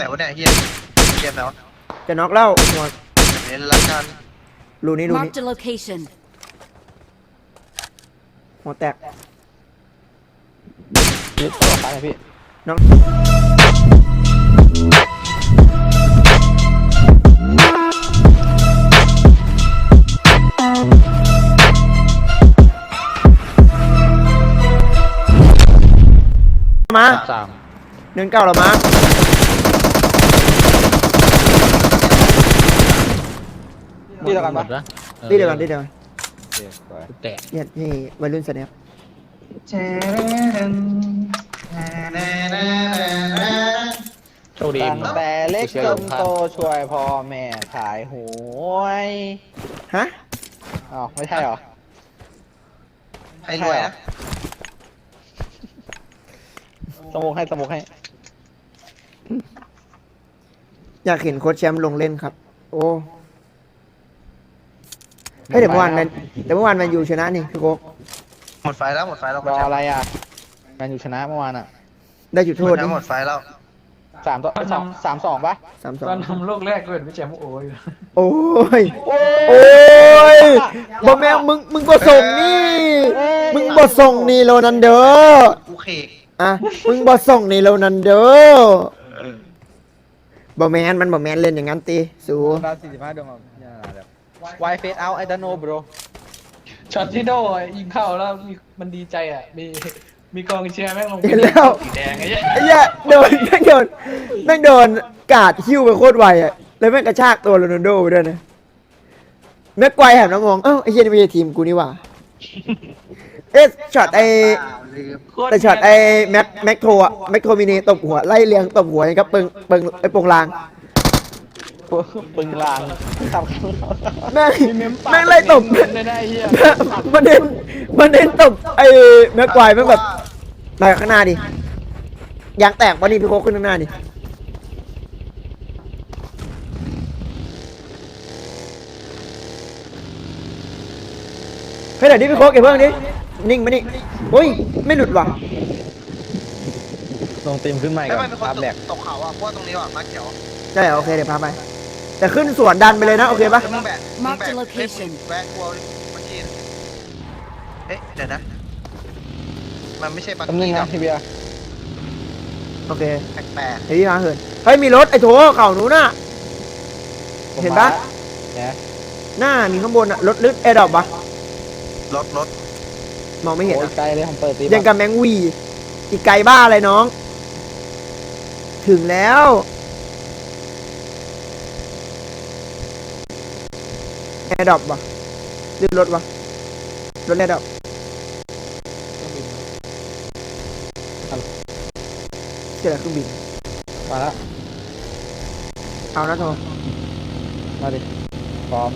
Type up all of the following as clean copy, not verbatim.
ไหนวะเนี่ยเฮียเกมไหนวะจะน็อกแล้วหัวเล่นละกันรูนี้ Marked a location. หัวแตกยึดต่อไปนะพี่น้องมา 3 19แล้วมาที่เดียวกันปะที่เดียวกันที่เดียวกันแตกเนี่ยนี่วัยรุ่นแสดงโชคดีตั้งแต่เล็กจนโตช่วยพ่อแม่ขายหวยฮะอ๋อไม่ใช่หรอใครรวยนะสมุกให้อยากเห็นโค้ชแชมป์ลงเล่นครับโอ้ให้เดี๋ยวเมื่อวานแมนยูชนะนี่พี่โค้กหมดไฟแล้วรออะไรอ่ะแมนยูชนะเมื่อวานอ่ะได้จุดโทษนี่หมดไฟแล้ว 3-2 ปะ 3-2 ตอนทำโลกแรกก็เห็นพี่แจมโอ้ยโอ้ยบอกแม่มึงบทส่งนี่มึงบทส่งนี่โรนัลโดกูเคกอ่ะมึงบทส่งนี่โรนัลโดบอกแมนมันบอกแมนเล่นอย่างนั้นตีสูดาว45ดวงวายเฟสเอาไอดโนบรช็อตที่โดยิงเข้าแล้วมันดีใจอ่ะมีกองเชียร์แม่งลงเห็นแล้วสีแดงไอ้เหี้ยโดนแม่งโดนกาดหิ้วไปโคตรไวอ่ะแล้วแม่งกระชากตัวโรนัลโดไปด้วยนะแม็กไกวแหบน้ำมองเอ้าไอ้เหี้ยนี่ไม่ใช่ทีมกูนี่หว่าช็อตแต่ช็อตแม็กโทอะแม็กโทมินีตบหัวไล่เลียงตบหัวกับเปิงไอ้โปงลางปึงลางทำแม่งไล่ตบมันเน้นตบไอ้แม็กไกวแม่งแบบไปข้างหน้าดิยางแตกปะนี่พี่โค้กขึ้นข้างหน้าดิเฮ้ยเดี๋ยวนี้พี่โค้กเก็บเพิ่งดินิ่งมานี่โอ้ยไม่หลุดว่ะลงเต็มขึ้นใหม่กับภาพแหลกตกเขาอ่ะเพราะตรงนี้ว่ะมาเขียวใช่โอเคเดี๋ยวพาไปแต่ขึ้นสวนดันไปเลยนะโอเคปะมึงแบกแวะกลัวเมื่อกี้เอ๊ะเดี๋ยวนะมันไม่ใช่บักกี้นะพี่เบียร์โอเคแปลกเฮ้ยมาเหินเฮ้ยมีรถไอ้โถเข่าหนูน่ะเห็นปะหน้ามีข้างบนอะรถลึกแอร์ดรอปปะรถมองไม่เห็นไกลเลยผมเปิดตียังกับแมงวีอีกไกลบ้าอะไรน้องถึงแล้วแอร์ดรอปปะดึงรถวะรถแอร์ดรอปเจอเครื่องบินมาแล้วเอานะโทมาดิพร้อม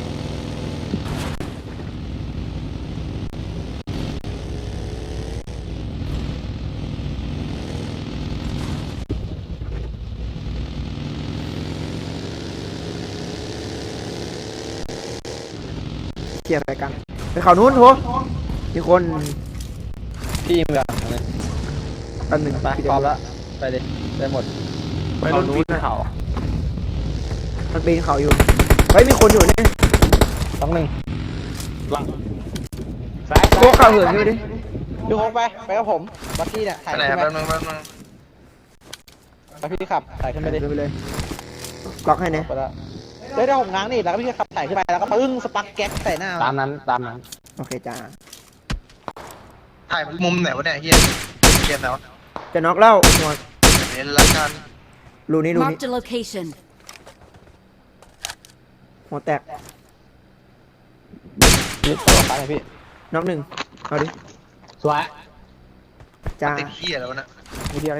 เกี่ยวอะไรกันไปเขานู้นโถมีคนพี่มึงแบบอันหนึ่งไปพร้อมแล้วไปดิได้หมดไปเขานู้นเขามันปีนเขาอยู่เฮ้ยมีคนอยู่นี่ 1หลังโค้กเขาเหินอยู่ดิดูโค้กไปกับผมบักกี้เนี่ยถ่ายขึ้นไปบักกี้ขับถ่ายขึ้นไปดิไปเลยล็อกให้เนี่ยได้ผมง้างนี่แล้วก็พี่ขับถ่ายขึ้นไปแล้วก็ปึ้งสปักแก๊กใส่หน้าตามนั้นโอเคจ้าถ่ายมุมไหนวะเนี่ยเฮียเกมไหนวะจะน็อกแล้วหัวเล่นละกันรูนี้ Marked a location. หัวแตกยึดต่อไปเลยพี่น็อก1เอาดิสวยจ้าติดเฮียแล้วนะนิดเดียว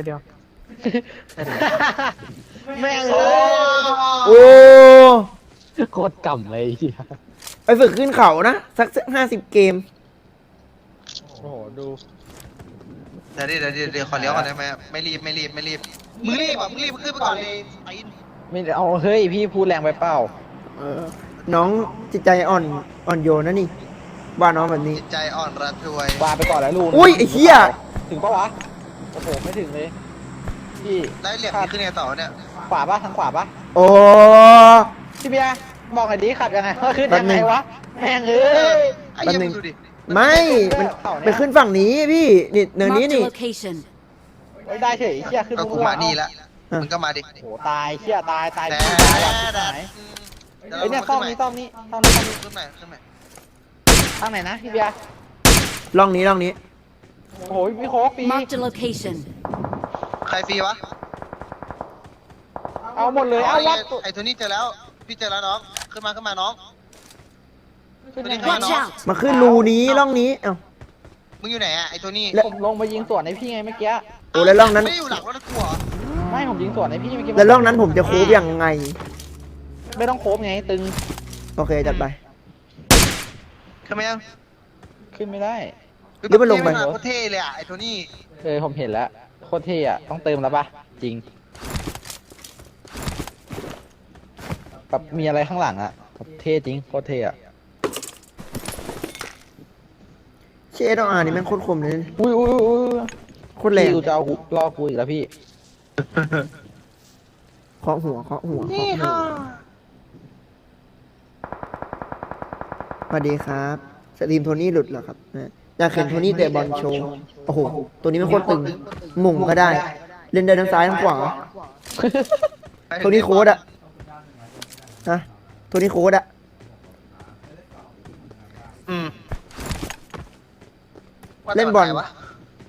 แม่งโอ้โคตรกำเลยไปฝึกขึ้นเขานะสัก50 เกมโอ้โหดูเดี๋ยวขอเลี้ยวก่อนได้ไหมไม่รีบมึงรีบมึงขึ้นไปก่อนเลยไม่เอาเฮ้ยพี่พูดแรงไปเปล่าน้องจิตใจอ่อนโยนนะนี่ว่าน้องแบบนี้จิตใจอ่อนระทวยว่าไปก่อนแล้วลูกอุ้ยไอ้เหี้ยถึงปะวะโอ้โหไม่ถึงเลยพี่ได้เหลี่ยมขึ้นไงต่อเนี่ยขวาปะทางขวาปะโอ้พี่เบียร์บอกหน่อยดิขับยังไงขึ้นยังไงวะแม่งเอ้ยไอ้เหี้ยมึงดูดิไม่มันไปขึ้นฝั่งนี้พี่นี่เนินนี้ Marked a นี่ location. ไม่ได้เฉยเชี่ยขึ้นก็กูมานี่ละมึงก็มาดิโหตายเชี่ยตายตายแต่ตายตายไอ้เนี่ยซ่อมนี้ซ่อมนี้ซ่อมนี้ซ่อมนี้ขึ้นใหม่ขึ้นใหม่ทางไหนนะพี่เบียร์ร่องนี้ร่องนี้โอ้ยพี่โค้กปี Marked a location. ใครฟรีวะเอาหมดเลยเอาวัดไอ้โทนี่เจอแล้วพี่เจอแล้วน้องขึ้นมาน้องขึ้นยังไง Watch เนาะ out. มาขึ้นรูนี้ร่องนี้เอ้ามึงอยู่ไหนอะไอ้โทนี่แล้วผมลงไปยิงสวนในพี่ไงเมื่อกี้โอ้แล้วร่องนั้นไม่ได้อยู่หลังรถกูเหรอไม่ผมยิงสวนในพี่เมื่อกี้แล้วร่องนั้นผมจะโค้บยังไงไม่ต้องโค้งไงตึงโอเคจัดไปขึ้นมายังขึ้นไม่ได้หรือมันลงไปโคตรเท่เลยอะไอ้โทนี่ผมเห็นแล้วโคตรเท่อะต้องเติมแล้วปะจริงแบบมีอะไรข้างหลังอะแบบเท่จริงโคตรเท่อะเชดอานี่แม่งโคตรคมเลยนะอุ้ยโคตรแรงพี่กูจะเอารอกูอีกแล้วพี่เคาะหัวเคาะหัวเคาะหัวสวัสดีครับสตรีมโทนี่หลุดเหรอครับอยากเห็นโทนี่เตะบอลโชว์โอ้โหตัวนี้มันโคตรตึงหมุ่งก็ได้ เล่นได้ทั้งซ้ายทั้งขวาโทนี่โค้ดอะฮะโทนี่โค้ดอะอืมเล่นบอลว่าแต่ว่าใครวะ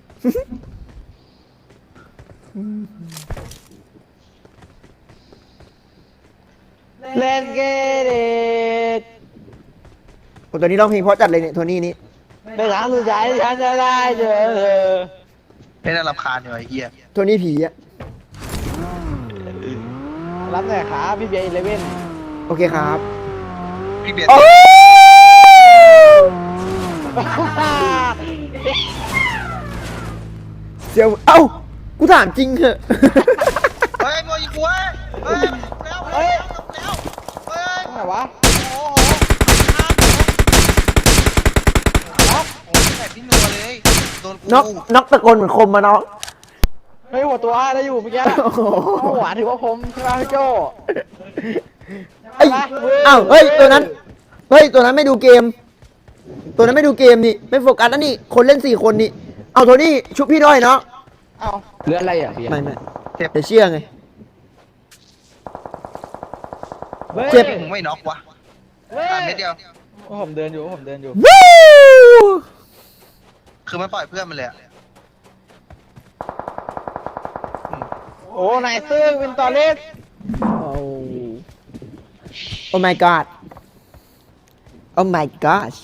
เล่นเกเรตโอ้ตัวนี้ร้องเพลงเพราะจัดเลยเนี่ยโทนี่นี่เป็นครั้งสุดท้ายที่ฉันจะได้เจอเธอไม่น่ารำคาญอยู่ไอ้เหี้ยโทนี่ผีอะรับหน่อยครับพี่เบียร์11 โอเคครับพี่เบียร์โอ้เสียวเอ้ากูถามจริงเหอะเฮ้ยมัวยิงกูเว้ยเฮ้ยแล้วเฮ้ยแล้วเฮ้ยตรงไหนวะโอ้โหน็อกโอ้ยแบบพี่นัวเลยโดนกูน็อกตะโกนเหมือนคมมาน้องเฮ้ยหัวตัวได้อยู่เมื่อกี้โอ้โหหัวถือว่าผมใช่ไหมพี่โจไอ้อ้าวเฮ้ยตัวนั้นไม่ดูเกม ตัวนั้นไม่ดูเกมนี่ไม่โฟกัสแล้วนี่คนเล่น4 คนนี่เอาโทนี่ชุบพี่ด้วยเนาะเอาเลือดอะไรอ่ะพี่ไม่เดี๋ยวเชื่อไง เจ็เจ็บมึงไม่น็อกวะตามเม็ดเดียวผมเดินอยู่วู้คือมันปล่อยเพื่อนมันเลยอะโอ้นายซื้อวินตอเลสโอ้ my god โอ้ my gosh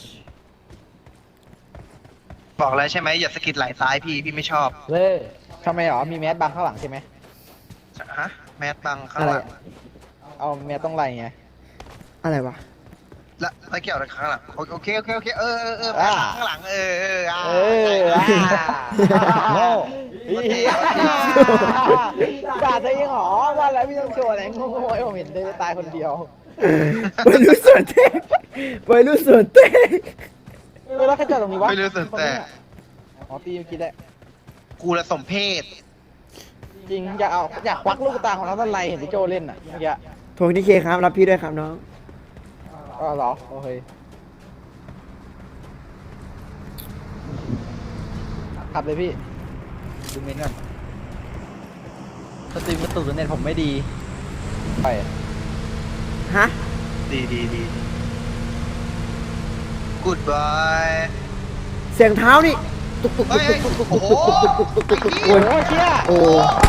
บอกแล้วใช่ไหมอย่าสะกิดไหล่ซ้ายพี่ไม่ชอบเล่ทำไมหรอมีแมสบังข้างหลังใช่ไหมฮะแมสบังข้างหลังเอาแมสต้องไรไงอะไรวะแล้วเกี่ยวอะไรข้างหลังโอเคเออข้างหลังอ่าโง่ด่าตัวเองหรอว่าแล้วพี่ต้องโชว์อะไรโง่ๆให้ผมเห็นได้ตายคนเดียววัยรุ่นส่วนเต้วัยรุ่นส่วนเต้แล้วใครจอดตรงนี้วะไม่รู้สึกแต่อ๋อตีเมื่อกี้ได้กูละสมเพศจริงอยากควักลูกตาของน้องต้นไรเห็นพี่โจเล่นอ่ะเมื่อกี้โทนี่เคครับรับพี่ด้วยครับน้องอ๋อเหรอโอเคขับเลยพี่ดูเมนก่อนสตรีมกระตุกเน็ตผมไม่ดีไปฮะดีกูดบายเสียงเท้านี่ตุกตุกเฮ้ยโอ้โหโอ้ยเชี่ยโอ้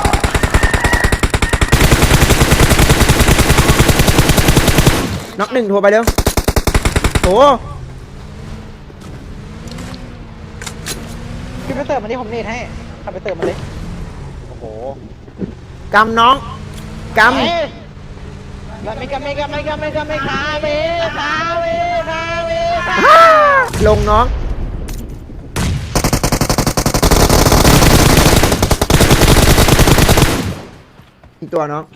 น็อก1โทรไปเร็วโอ้พี่ไปเติมมันนี่ผมเน็ตให้ขับไปเติมมันเลยโอ้โหกำน้องกำไม่คาเวลงน้องอีกตัวน้อง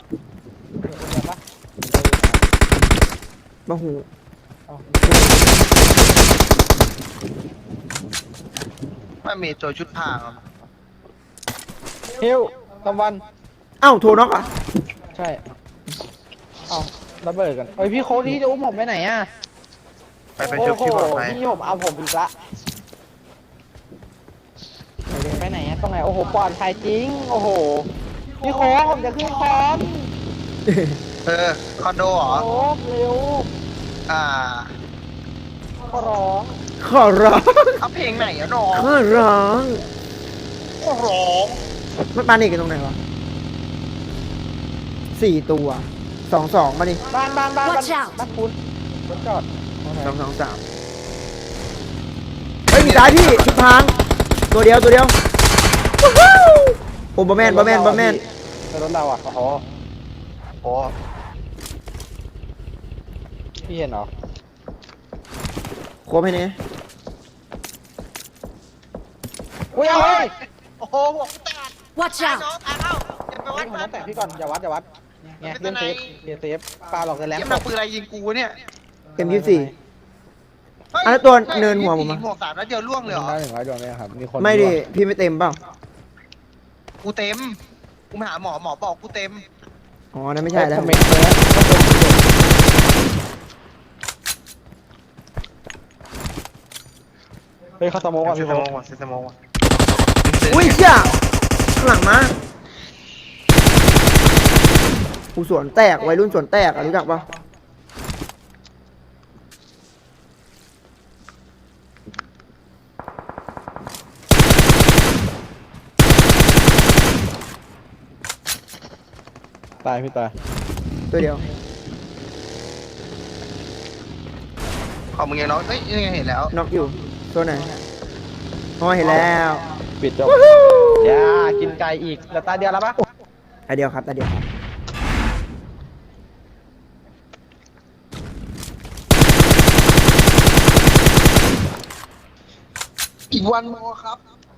มาหูไม่มีตัวชุดผ้าฮิวตะวันเอ้าโทรน็อกอ่ะใช่เอาระเบิดกันเฮ้ยพี่โค้ดที่จะอุ้มผมไปไหนอ่ะไปชุบที่ปลอดภัยพี่ผมเอาผมอีกละไปไหนอะตรงไหนโอ้โหปลอดภัยจริงโอ้โหพี่โค้ดผมจะขึ้นคอนคอนโดเหรอโค้ดเร็วอ่าขอร้องขอร้องเอาเพลงไหนอะน้องขอร้องขอร้องมันปานิกกันตรงไหนวะ4 ตัว 2 มาดิบ้าน Watch out บ้านคุณรถจอด 2 2 3เฮ้ยมีซ้ายพี่ทิศทางตัวเดียววู้ฮู้โอ้บอแมนในรถเราอ่ะอ๋อโอ้พี่เห็นเหรอโคบให้เนี่ยอุ้ยเอาเลยโอ้โหหัวกูแตก Watch ตาย out! น้องตายเข้าอย่าไปวัดผมมันต้องแตะพี่ก่อนอย่าวัดไงเล่นเซฟเซฟปลาหลอกกันแล้วเยี่ยมหนักปืนอะไรยิงกูเนี่ย M24 อ่ะแล้วตัวเนินหัวผมอะยิงหัว3นัดเดียวล่วงเลยเหรอได้100 ดวงเนี่ยครับมีคนไม่ดิพี่ไม่เต็มเปล่ากูเต็ม กูมาหาหมอบอกกูเต็มอ๋อนั่นไม่ใช่แล้วคอมเมนต์เลยนะเฮ้ยเขาสโมองก่อนเซพี่สโค้โมดงว่ะเซสโมงว่ะอุ้ยเชี่ยข้างหลังมากูสวนแตกวัยรุ่นสวนแตกอะรู้จักปะตายพี่ตายตัวเดียวของมึงยังน้องเอ้ยยังไงเห็นแล้วน็อกอยู่ตัวไหนอ๋อเห็นแล้วปิดจบอย่ากินไก่อีกแล้วตาเดียวแล้วปะตาเดียวครับตาเดียวครับอีกวันโมครับ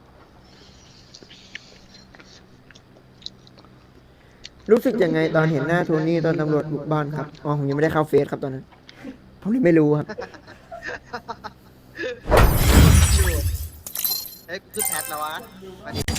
รู้สึกยังไงตอนเห็นหน้าโทนี่ตอนตำรวจบุกบ้านครับอ๋อผมยังไม่ได้เข้าเฟซครับตอนนั้นผมเลยไม่รู้ครับเฮ้ยกูขึ้นแพทแล้ววะมาดิ